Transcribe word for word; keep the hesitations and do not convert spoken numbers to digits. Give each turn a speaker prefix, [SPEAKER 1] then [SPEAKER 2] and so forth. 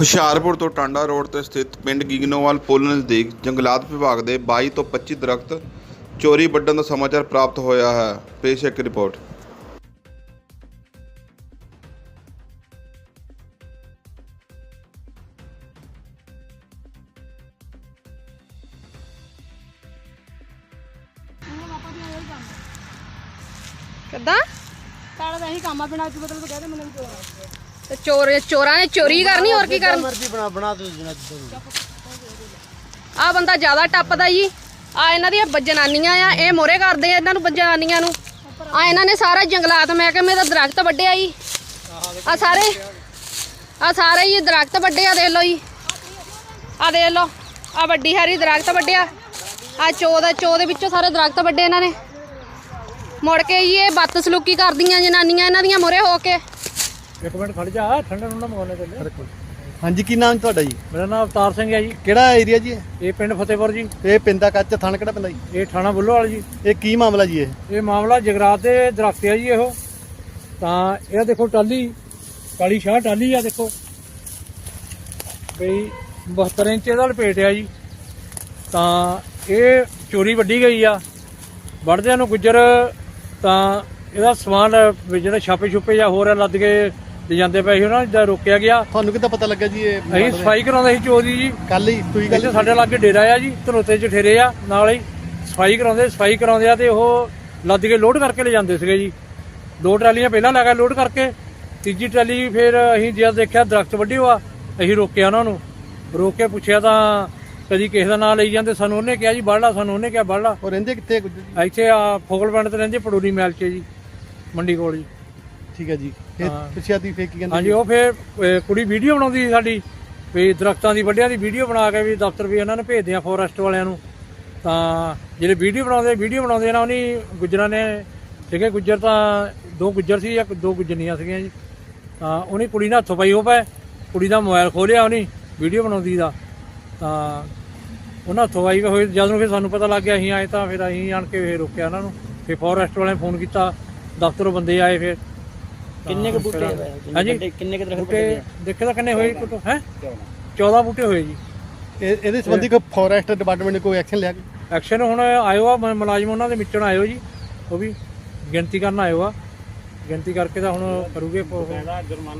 [SPEAKER 1] ਹੁਸ਼ਿਆਰਪੁਰ ਤੋਂ ਟਾਂਡਾ ਰੋਡ ਤੇ ਸਥਿਤ ਪਿੰਡ ਗਿਗਨੋਵਾਲ ਪੁਲ ਨਜ਼ਦੀਕ ਜੰਗਲਾਤ ਵਿਭਾਗ ਦੇ ਬਾਈ ਤੋਂ ਪੱਚੀ ਦਰਖਤ ਚੋਰੀ ਵੱਢਣ ਦਾ ਸਮਾਚਾਰ ਪ੍ਰਾਪਤ ਹੋਇਆ ਹੈ। ਪੇਸ਼ ਹੈ ਇੱਕ ਰਿਪੋਰਟ।
[SPEAKER 2] ਕਿੱਦਾਂ
[SPEAKER 3] ਸਾਡਾ ਤਾਂ ਇਹੀ ਕੰਮ ਆ, ਬਿਨਾਂ ਮਤਲਬ ਤੋਂ ਕਹਿੰਦੇ ਮੈਨੂੰ ਚੋਰ
[SPEAKER 2] ਤੇ ਚੋਰ ਚੋਰਾਂ ਨੇ ਚੋਰੀ ਕਰਨੀ, ਹੋਰ ਕੀ ਕਰਨੀ।
[SPEAKER 3] ਮਰਜ਼ੀ ਬਣਾ ਬਣਾ ਦੋ ਜਨਾ
[SPEAKER 2] ਆ ਬੰਦਾ ਜ਼ਿਆਦਾ ਟੱਪਦਾ ਜੀ। ਆ ਇਹਨਾਂ ਦੀਆਂ ਜਨਾਨੀਆਂ ਆ, ਇਹ ਮੋਰੇ ਕਰਦੇ ਆ ਇਹਨਾਂ ਨੂੰ ਜਨਾਨੀਆਂ ਨੂੰ। ਆ ਇਹਨਾਂ ਨੇ ਸਾਰਾ ਜੰਗਲਾਤ ਮਹਿਕਮੇ ਦਾ ਦਰਖਤ ਵੱਢਿਆ ਜੀ। ਆ ਸਾਰੇ ਆ ਸਾਰੇ ਹੀ ਦਰਖਤ ਵੱਢੇ ਆ, ਦੇਖ ਲਓ ਜੀ। ਆ ਦੇਖ ਲਓ, ਆ ਵੱਡੀ ਸਾਰੀ ਦਰਖਤ ਵੱਢਿਆ। ਆ ਚੋ ਦਾ ਚੋ ਦੇ ਵਿੱਚੋਂ ਸਾਰੇ ਦਰਖਤ ਵੱਢੇ ਇਹਨਾਂ ਨੇ। ਮੁੜ ਕੇ ਜੀ ਇਹ ਬਦਸਲੂਕੀ ਕਰਦੀਆਂ ਜਨਾਨੀਆਂ ਇਹਨਾਂ ਦੀਆਂ ਮੋਰੇ ਹੋ ਕੇ।
[SPEAKER 4] ਇੱਕ ਮਿੰਟ ਖੜ ਜਾ, ਠੰਡਾ ਠੰਡਾ ਮਗਾਉਣੇ ਚੱਲੇ।
[SPEAKER 5] ਹਾਂਜੀ, ਕੀ ਨਾਮ ਤੁਹਾਡਾ ਜੀ?
[SPEAKER 4] ਮੇਰਾ ਨਾਮ ਅਵਤਾਰ ਸਿੰਘ ਹੈ ਜੀ।
[SPEAKER 5] ਕਿਹੜਾ ਏਰੀਆ ਜੀ?
[SPEAKER 4] ਇਹ ਪਿੰਡ ਫਤਿਹਪੁਰ ਜੀ।
[SPEAKER 5] ਇਹ ਪਿੰਦਾ ਕੱਚ ਥਾਣਾ ਕਿਹੜਾ ਪੈਂਦਾ ਜੀ?
[SPEAKER 4] ਇਹ ਥਾਣਾ ਬੁੱਲੋਵਾਲ ਜੀ।
[SPEAKER 5] ਇਹ ਕੀ ਮਾਮਲਾ ਜੀ? ਇਹ
[SPEAKER 4] ਇਹ ਮਾਮਲਾ ਜਗਰਾਤ ਦੇ ਦਰਖਤ ਆ ਜੀ। ਇਹੋ ਤਾਂ ਇਹ ਦੇਖੋ ਟਾਲੀ, ਕਾਲੀ ਸ਼ਾਹ ਟਾਲੀ ਆ, ਦੇਖੋ ਬਈ ਬਹੱਤਰ ਇੰਚ ਇਹਦਾ ਲਪੇਟ ਆ ਜੀ। ਤਾਂ ਇਹ ਚੋਰੀ ਵੱਢੀ ਗਈ ਆ। ਵੱਢਦਿਆਂ ਨੂੰ ਗੁੱਜਰ ਤਾਂ ਇਹਦਾ ਸਮਾਨ ਜਿਹੜਾ ਛਾਪੇ ਛੁਪੇ ਜਾਂ ਹੋਰ ਲੱਦ ਕੇ ਲੈ ਜਾਂਦੇ ਪਏ ਸੀ, ਉਹਨਾਂ ਦਾ ਰੋਕਿਆ ਗਿਆ।
[SPEAKER 5] ਤੁਹਾਨੂੰ ਕਿੱਦਾਂ ਪਤਾ ਲੱਗਾ ਜੀ? ਇਹ
[SPEAKER 4] ਅਸੀਂ ਸਫਾਈ ਕਰਾਉਂਦੇ ਸੀ ਚੋਰੀ ਜੀ।
[SPEAKER 5] ਕੱਲ ਹੀ ਕੋਈ ਗੱਲ?
[SPEAKER 4] ਇੱਥੇ ਸਾਡੇ ਲਾਗੇ ਡੇਰਾ ਆ ਜੀ, ਧਰੋਤੇ ਚ ਠੇਰੇ ਆ, ਨਾਲ ਹੀ ਸਫਾਈ ਕਰਾਉਂਦੇ ਸਫਾਈ ਕਰਾਉਂਦੇ ਆ ਤੇ ਉਹ ਲੱਦ ਕੇ ਲੋਡ ਕਰਕੇ ਲੈ ਜਾਂਦੇ ਸੀਗੇ ਜੀ। ਦੋ ਟਰਾਲੀਆਂ ਪਹਿਲਾਂ ਲੱਗਾ ਲੋਡ ਕਰਕੇ, ਤੀਜੀ ਟਰਾਲੀ ਫਿਰ ਅਸੀਂ ਜਦ ਦੇਖਿਆ ਦਰਖਤ ਵੱਢੇ ਹੋਆ, ਅਸੀਂ ਰੋਕਿਆ ਉਹਨਾਂ ਨੂੰ। ਰੋਕ ਕੇ ਪੁੱਛਿਆ ਤਾਂ ਕਦੀ ਕਿਸੇ ਦਾ ਨਾਂ ਲਈ ਜਾਂਦੇ, ਸਾਨੂੰ ਉਹਨੇ ਕਿਹਾ ਜੀ ਬਾਹਲਾ, ਸਾਨੂੰ ਉਹਨੇ ਕਿਹਾ ਬਾਹਲਾ।
[SPEAKER 5] ਉਹ ਰਹਿੰਦੇ ਕਿੱਥੇ ਗੁੱਜਰ ਜੀ?
[SPEAKER 4] ਇੱਥੇ ਆ ਫੋਗਲ ਪਿੰਡ ਤੇ ਰਹਿੰਦੇ, ਪੜੂਰੀ ਮਹਿਲ ਚ ਜੀ, ਮੰਡੀ ਕੋਲ ਜੀ।
[SPEAKER 5] ਠੀਕ ਹੈ ਜੀ। ਫਿਰ ਪੁੱਛਿਆ ਦੀ ਫੇਰ ਕੀ ਕਹਿੰਦੇ?
[SPEAKER 4] ਹਾਂਜੀ, ਉਹ ਫਿਰ ਅਹ, ਕੁੜੀ ਵੀਡੀਓ ਬਣਾਉਂਦੀ ਸੀ ਸਾਡੀ, ਵੀ ਦਰਖਤਾਂ ਦੀ ਵੱਢਿਆਂ ਦੀ ਵੀਡੀਓ ਬਣਾ ਕੇ ਵੀ ਦਫ਼ਤਰ ਵੀ ਇਹਨਾਂ ਨੇ ਭੇਜਦੇ ਆ ਫੋਰੈਸਟ ਵਾਲਿਆਂ ਨੂੰ। ਤਾਂ ਜਿਹੜੇ ਵੀਡੀਓ ਬਣਾਉਂਦੇ ਵੀਡੀਓ ਬਣਾਉਂਦੇ ਨਾ, ਉਹਨੀ ਗੁੱਜਰਾਂ ਨੇ ਸੀਗੇ ਗੁੱਜਰ, ਤਾਂ ਦੋ ਗੁੱਜਰ ਸੀ ਜਾਂ ਦੋ ਗੁੱਜਰਨੀਆਂ ਸੀਗੀਆਂ ਜੀ। ਤਾਂ ਉਹਨੇ ਕੁੜੀ ਨਾਲ ਹੱਥੋਂ ਪਾਈ ਹੋ ਪਏ, ਕੁੜੀ ਦਾ ਮੋਬਾਈਲ ਖੋਲਿਆ ਉਹਨੇ ਵੀਡੀਓ ਬਣਾਉਂਦੀ ਦਾ। ਤਾਂ ਉਹਨਾਂ ਹੱਥੋਂ ਪਾਈ ਹੋਏ ਜਦੋਂ ਫਿਰ ਸਾਨੂੰ ਪਤਾ ਲੱਗ ਗਿਆ, ਅਸੀਂ ਆਏ ਤਾਂ ਫਿਰ ਅਸੀਂ ਆਣ ਕੇ ਫਿਰ ਰੋਕਿਆ ਉਹਨਾਂ ਨੂੰ। ਫਿਰ ਫੋਰੈਸਟ ਵਾਲਿਆਂ ਨੇ ਫੋਨ ਕੀਤਾ, ਦਫ਼ਤਰੋਂ ਬੰਦੇ ਆਏ। ਫਿਰ
[SPEAKER 3] ਕਿੰਨੇ ਕੁ ਬੂਟੇ
[SPEAKER 4] ਹਾਂਜੀ,
[SPEAKER 3] ਕਿੰਨੇ ਕੁ ਦਰਖਤ
[SPEAKER 4] ਬੂਟੇ ਦੇਖੇ ਤਾਂ ਕਿੰਨੇ ਹੋਏ? ਹੈ ਚੌਦਾਂ ਬੂਟੇ ਹੋਏ ਜੀ।
[SPEAKER 5] ਇਹ ਇਹਦੇ ਸੰਬੰਧੀ ਕੋਈ ਫੋਰੈਸਟ ਡਿਪਾਰਟਮੈਂਟ ਨੇ ਕੋਈ ਐਕਸ਼ਨ ਲਿਆ?
[SPEAKER 4] ਐਕਸ਼ਨ ਹੁਣ ਆਇਓ ਆ, ਮ- ਮੁਲਾਜ਼ਮ ਉਹਨਾਂ ਦੇ ਮਿੱਟਣ ਆਇਓ ਜੀ, ਉਹ ਵੀ ਗਿਣਤੀ ਕਰਨ ਆਇਓ ਆ। ਗਿਣਤੀ ਕਰਕੇ ਤਾਂ ਹੁਣ ਕਰੂਗੇ।